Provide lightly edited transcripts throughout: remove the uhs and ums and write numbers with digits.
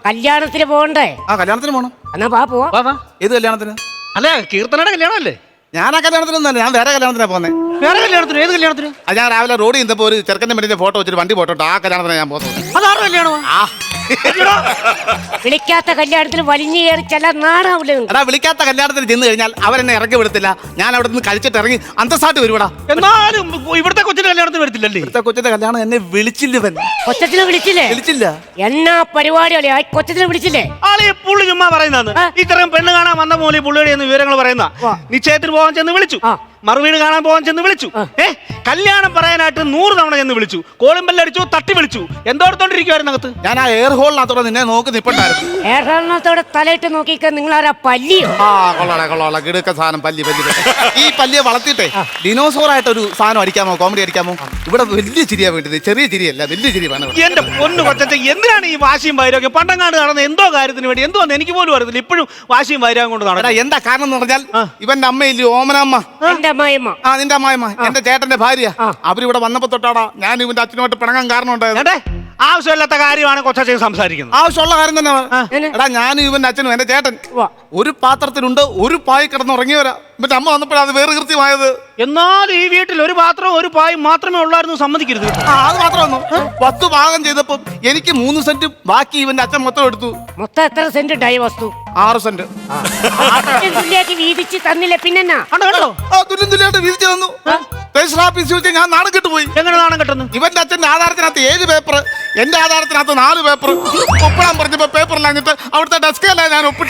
കല്യാണത്തിന് പോകണ്ടേ? കല്യാണത്തിന് പോണം. എന്നാ പോവാ. ഏത് കല്യാണത്തിന്? അല്ല, കീർത്തനയുടെ കല്യാണമല്ലേ? ഞാൻ ആ കല്യാണത്തിനൊന്നല്ല, ഞാൻ വേറെ കല്യാണത്തിനാ പോന്നെ. വേറെ കല്യാണത്തിന്? ഏത് കല്യാണത്തിന്? അത് ഞാൻ രാവിലെ റോഡിൽ നിന്നപ്പോ ഒരു ചെറുക്കന്റെ മെഡിന്റെ ഫോട്ടോ വെച്ചിട്ട് വണ്ടി പോട്ടോ ആ കല്യാണത്തിനാണ് ഞാൻ പോകുന്നത്. അതാറ് കല്യാണമോ? വിളിക്കാത്ത കല്യാണത്തിന് വലിഞ്ഞു കയറി ചെല്ല നാടാവില്ല. എടാ, വിളിക്കാത്ത കല്യാണത്തിന് ചെന്ന് കഴിഞ്ഞാൽ അവരെന്നെ ഇറക്കി വിടത്തില്ല. ഞാൻ അവിടെ നിന്ന് കഴിച്ചിട്ട് ഇറങ്ങി അന്തസ്സായിട്ട് വരുവാടാ. എന്നാലും ഇവിടുത്തെ കൊച്ചിന്റെ കല്യാണത്തിന് വരത്തില്ലല്ലേ? ഇവിടുത്തെ കൊച്ചിന്റെ കല്യാണം എന്നെ വിളിച്ചില്ല. കൊച്ചത്തിനെ വിളിച്ചില്ല. എന്നാ പരിപാടികളെ ആ കൊച്ചത്തിനെ വിളിച്ചില്ലേ? ആളെ പുള്ളി ചുമ്മാ പറയുന്നതാണ്. ഇത്രയും പെണ്ണ് കാണാൻ വന്ന പോലെ പുള്ളിയുടെ വിവരങ്ങൾ പറയുന്ന. നിശ്ചയത്തിന് പോകാൻ ചെന്ന് വിളിച്ചു, മറുവീട് കാണാൻ പോകാൻ ചെന്ന് വിളിച്ചു, കല്യാണം പറയാനായിട്ട് 100 തവണ ചെന്ന് വിളിച്ചു, കോളും ബെല്ലടിച്ചു, തട്ടി വിളിച്ചു. എന്തോടത്തോണ്ടിരിക്കുവായിരുന്നു അകത്ത്. ഞാൻ ആ എയർ ഹോളിനകത്തോടെ നിന്നെ നോക്കി നിപ്പണ്ടായിരുന്നു. എയർ ഹോളിനകത്തോടെ തലയിട്ട് നോക്കിക്കാൻ നിങ്ങൾ ആരാ? പല്ലിയോ? കൊള്ളാളെ കിടക്ക സാധനം പല്ലി. ഈ പല്ലിയെ വളർത്തിയിട്ടേ ഡിനോസോർ ആയിട്ട് ഒരു സാധനം അടിക്കാമോ, കോമഡി അടിക്കാമോ? ഇവിടെ വലിയ ചിരിയാ വേണ്ടത്, ചെറിയ ചിരിയല്ല, വലിയ ചിരി വേണം. എന്റെ പൊന്നു കൊച്ചച്ച, എന്തിനാണ് ഈ വാശിയും വൈരൊക്കെ? പണ്ടങ്ങാണ്ട് നടന്ന എന്തോ കാര്യത്തിന് വേണ്ടി എന്തോന്ന് എനിക്ക് പോലും അറിയത്തില്ല. ഇപ്പോഴും വാശിയും വൈരാഗം കൊണ്ട് നടക്കണം. എന്താ കാരണം എന്ന് പറഞ്ഞാൽ ഇവന്റെ അമ്മയില്ലേ ഓമനമ്മ, നിന്റെ അമ്മായിമ്മ, എന്റെ ചേട്ടന്റെ ഭാര്യ, അവരിവിടെ വന്നപ്പോ തൊട്ടാടാ ഞാൻ ഇവന്റെ അച്ഛനുമായിട്ട് പിണങ്ങാൻ കാരണം ഉണ്ടായത്. ആവശ്യമില്ലാത്ത കാര്യമാണ് കൊച്ചച്ചൻ സംസാരിക്കുന്നത്. ആവശ്യമുള്ള കാര്യം തന്നെ. എടാ, ഞാനും ഇവന്റെ അച്ഛനും എന്റെ ചേട്ടൻ ഒരു പാത്രത്തിലുണ്ട്, ഒരു പായി കിടന്നുറങ്ങിയവരാ. ഇവന്റെ അമ്മ വന്നപ്പോഴാണ് അത് വേറെ കൃത്യമായത്. എന്നാൽ ഈ വീട്ടിൽ ഒരു പാത്രവും ഒരു പായും മാത്രമേ ഉള്ളായിരുന്നു, സമ്മതിക്കരുത്. അത് മാത്രമൊന്നു 10 ഭാഗം ചെയ്തപ്പോ എനിക്ക് 3 സെന്റും ബാക്കി ഇവന്റെ അച്ഛൻ മൊത്തം എടുത്തു. മൊത്തം എത്ര സെന്റ് ഡൈ വസ്തു? 6 സെന്റ്. വീതിച്ച് തന്നില്ല പിന്നെന്നാ? തുല്യം തുല്യായിട്ട് വീതിച്ചു തന്നു. രജിസ്റ്റർ ഓഫീസിൽ വെച്ച് ഞാൻ നാണം കെട്ടുപോയി. എങ്ങനെ നാണം കെട്ടുന്നു? ഇവന്റെ അച്ഛന്റെ ആധാരത്തിനകത്ത് 7 പേപ്പർ, എന്റെ ആധാരത്തിനകത്ത് 4 പേപ്പർ. ഒപ്പിടാൻ പറഞ്ഞപ്പോ പേപ്പറിലാഞ്ഞിട്ട് അവിടുത്തെ ഡെസ്കല്ല ഞാൻ ഒപ്പിട്ടു.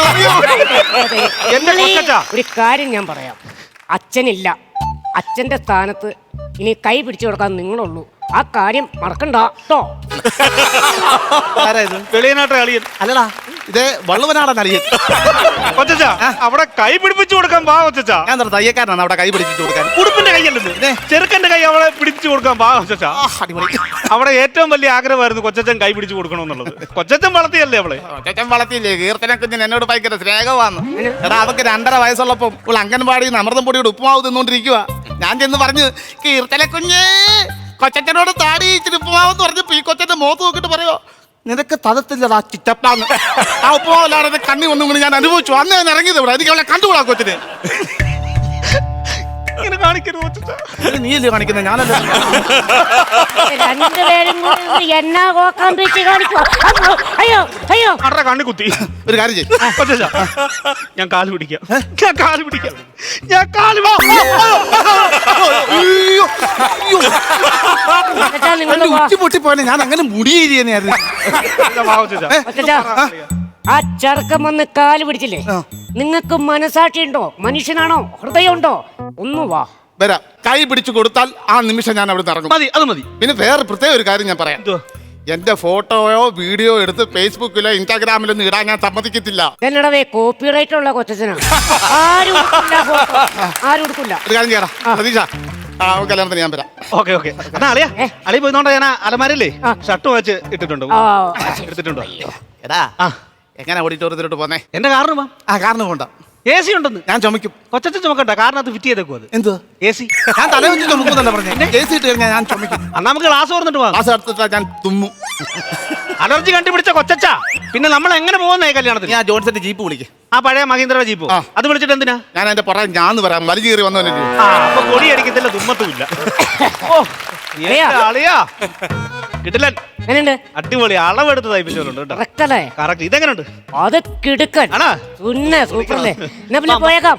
ഒരു കാര്യം ഞാൻ പറയാം, അച്ഛനില്ല. അച്ഛന്റെ സ്ഥാനത്ത് ഇനി കൈ പിടിച്ചു കൊടുക്കാൻ നിങ്ങളുള്ളൂ. ആ കാര്യം മറക്കണ്ട കേട്ടോ. വെളിയനാട്ടെ അളിയൻ അല്ലടാ, ഇതേ വള്ളുവനാടൻ അളിയൻ. കൊച്ചച്ചാ, അവിടെ കൈ പിടിപ്പിച്ചു കൊടുക്കാൻ പാ കൊച്ചച്ചാ. ഞാൻ തയ്യക്കാരനാണ് അവിടെ കൈ പിടിപ്പിച്ചു കൊടുക്കാൻ. ഉടുപ്പിന്റെ കൈയല്ലേ ചെറുക്കന്റെ കൈ അവളെ പിടിച്ചു കൊടുക്കാൻ പാ കൊച്ചച്ചാ. അവിടെ ഏറ്റവും വലിയ ആഗ്രഹമായിരുന്നു കൊച്ചച്ചൻ കൈ പിടിച്ചു കൊടുക്കണമെന്നുള്ളത്. കൊച്ചച്ചൻ വളർത്തിയല്ലേ അവളെ? കൊച്ചച്ചൻ വളർത്തിയില്ലേ? കീർത്തന കുഞ്ഞൻ എന്നോട് ഭയങ്കര സ്നേഹമാന്ന്. എടാ, അവക്ക് 2.5 വയസ്സുള്ളപ്പം ഇപ്പോൾ അംഗൻവാടിയിൽ നിന്ന് അമൃതം പൊടിയുടെ ഉപ്പുമാവ് തിന്നോണ്ടിരിക്കുക. ഞാൻ ചെന്ന് പറഞ്ഞു, കീർത്തന കുഞ്ഞേ കൊച്ചച്ചനോട് താടി ഇച്ചിരി ഉപ്പുമാവെന്ന് പറഞ്ഞപ്പോ ഈ കൊച്ചന്റെ മുഖത്ത് നോക്കിട്ട് പറയോ, നിനക്ക് തതത്തില്ലടാ ചിറ്റപ്പാന്ന്. ആ ഉപ്പുമാവല്ലാതെ കണ്ണി ഒന്നും കൂടി ഞാൻ അനുഭവിച്ചു. അന്ന് ഞാൻ ഇറങ്ങിയത് ഇവിടെ. എനിക്ക് അവളെ കണ്ടുകൂടാ കൊച്ചിന്. നീയല്ലേ കാണിക്കുന്നത്, ഞാനല്ല. രണ്ടുപേരും എന്നാ കോക്കാൻ പറ്റി കാണിക്കോ? അയ്യോ അയ്യോ, കണ്ണി കുത്തി. ഒരു കാര്യം ചെയ്യും, ഞാൻ കാല് പിടിക്കാം. ഉച്ചി പൊട്ടിപ്പോനെ. ഞാൻ അങ്ങനെ മുടിയേരിയെന്നായിരുന്നു. ആ ചെറുക്കം വന്ന് കാല് പിടിച്ചില്ലേ? നിങ്ങൾക്ക് മനസാക്ഷി ഉണ്ടോ? മനുഷ്യനാണോ? ഹൃദയമുണ്ടോ? ഒന്ന് വാ, വരാം. കൈ പിടിച്ചു കൊടുത്താൽ ആ നിമിഷം ഞാൻ അവിടെ ഇറങ്ങും. മതി. പിന്നെ വേറെ പ്രത്യേക ഒരു കാര്യം ഞാൻ പറയാം. എന്റെ ഫോട്ടോയോ വീഡിയോ എടുത്ത് ഫേസ്ബുക്കിലോ ഇൻസ്റ്റാഗ്രാമിലൊന്നും ഇടാൻ ഞാൻ സമ്മതിക്കത്തില്ല. എന്നടവേ കോപ്പിറൈറ്റ് ഉള്ള കൊച്ചനാണ്. ആരും എടുക്കില്ല. ഒരു കാര്യം ചെയ്യടാ പ്രതീക്ഷ, കല്യാണത്തിന് ഞാൻ വരാം. ഓക്കെ. അളിയ പോയിന്നോണ്ടാ ഞാൻ അലമാരല്ലേ ഷർട്ട് വെച്ച് ഇട്ടിട്ടുണ്ടോ? എടുത്തിട്ടുണ്ടോ? എടാ, എങ്ങനെ ഓഡിറ്റോറിയത്തിലോട്ട് പോന്നേ? എന്റെ കാറിന് കാറിന് പോണ്ട. AC ഉണ്ടെന്ന് ഞാൻ ചുമക്കും. കൊച്ചച്ഛൻ ചുമക്കണ്ട, കാറിനകത്ത് ഫിറ്റ് ചെയ്തേക്കും. അത് എന്ത് AC? ഞാൻ തല വെച്ച് ചുമക്കുന്നല്ല പറഞ്ഞേ. AC ഇട്ട് കഴിഞ്ഞാൽ ഞാൻ ചുമക്കും. അന്നാ നമുക്ക് ക്ലാസ് തുറന്നിട്ട് പോകാം. ക്ലാസ് എടുത്തിട്ടാ ഞാൻ തുമ്മും. അലർജി കണ്ടുപിടിച്ച കൊച്ചച്ചാ, പിന്നെ നമ്മൾ എങ്ങനെ പോകുന്നേ കല്യാണത്തിന്? ഞാൻ ജോൺസന്റെ ജീപ്പ് വിളിക്കും. ആ പഴയ മഹീന്ദ്ര ജീപ്പ്. അത് വിളിച്ചിട്ട് എന്തിനാ? ഞാൻ എന്റെ പറയാൻ ഞാൻ പറയാം, വലിയ കയറി വന്നോ. അപ്പൊ പൊടി അടിക്കത്തില്ല, തുമ്മത്തുമില്ല. കിട്ടില്ല. അടിപൊളി അളവെടുത്ത് തയ്പ്പിച്ചോണ്ട്. ഇതെങ്ങനെയുണ്ട്? അത് കിടുക്കൻ. സൂപ്പറല്ലേ? പോയേക്കാം.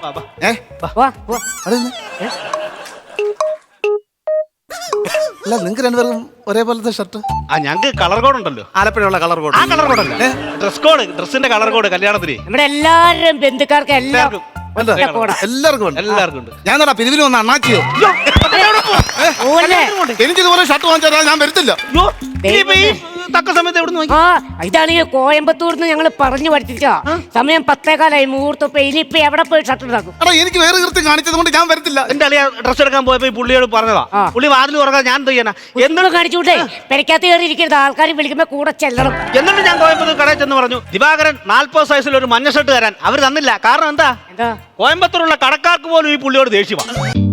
അല്ല, നിങ്ങൾക്ക് രണ്ടുപേർക്കും ഒരേപോലത്തെ ഷർട്ട്? ഞങ്ങൾക്ക് കളർ കോഡ് ഉണ്ടല്ലോ, ആലപ്പുഴയുള്ള കളർ കോഡ്. ആ കളർ കോഡ് അല്ലേ ഡ്രസ് കോഡ്, ഡ്രസ്സിന്റെ കളർ കോഡ് കല്യാണത്തിന് നമ്മുടെ എല്ലാവരും ബന്ധുക്കാർക്ക് എല്ലാവർക്കും ഉണ്ട്. ഞാൻ പിരിവിന് വന്ന അണ്ണാച്ചിയോ എനിക്കിതുപോലെ ഷർട്ട് വാങ്ങിച്ചാൽ ഞാൻ വരത്തില്ല. തക്ക സമയത്ത് എവിടെ നിന്ന്? ഇതാണ് ഈ കോയമ്പത്തൂർന്ന് ഞങ്ങൾ പറഞ്ഞു പഠിപ്പിച്ച സമയം 10:15 മുഹൂർത്തം. ഇനിയിപ്പൊ എവിടെ പോയി ഷർട്ട് ഉണ്ടാക്കും? എനിക്ക് വേറെ കൃത്യം കാണിച്ചത് കൊണ്ട് ഞാൻ വരത്തില്ല. എന്റെ അളിയ ഡ്രസ് എടുക്കാൻ പോയപ്പോ പുള്ളിയോട് പറഞ്ഞതാ, പുള്ളി വാതിൽ തുറക്കാൻ ഞാൻ എന്ത് ചെയ്യാനാ? എന്തും കാണിച്ചുകൂട്ടെ, പെരക്കകത്ത് കയറി ഇരിക്കരുത്, ആൾക്കാർ വിളിക്കുമ്പോ കൂടെ ചെല്ലണം. എന്നിട്ട് ഞാൻ കോയമ്പത്തൂർ കടയിൽ ചെന്ന് പറഞ്ഞു, ദിവാകരൻ 40 സൈസിൽ ഒരു മഞ്ഞ ഷർട്ട് തരാൻ. അവർ തന്നില്ല. കാരണം എന്താ? കോയമ്പത്തൂരുള്ള കടക്കാർക്ക് പോലും ഈ പുള്ളിയോട് ദേഷ്യമാണ്.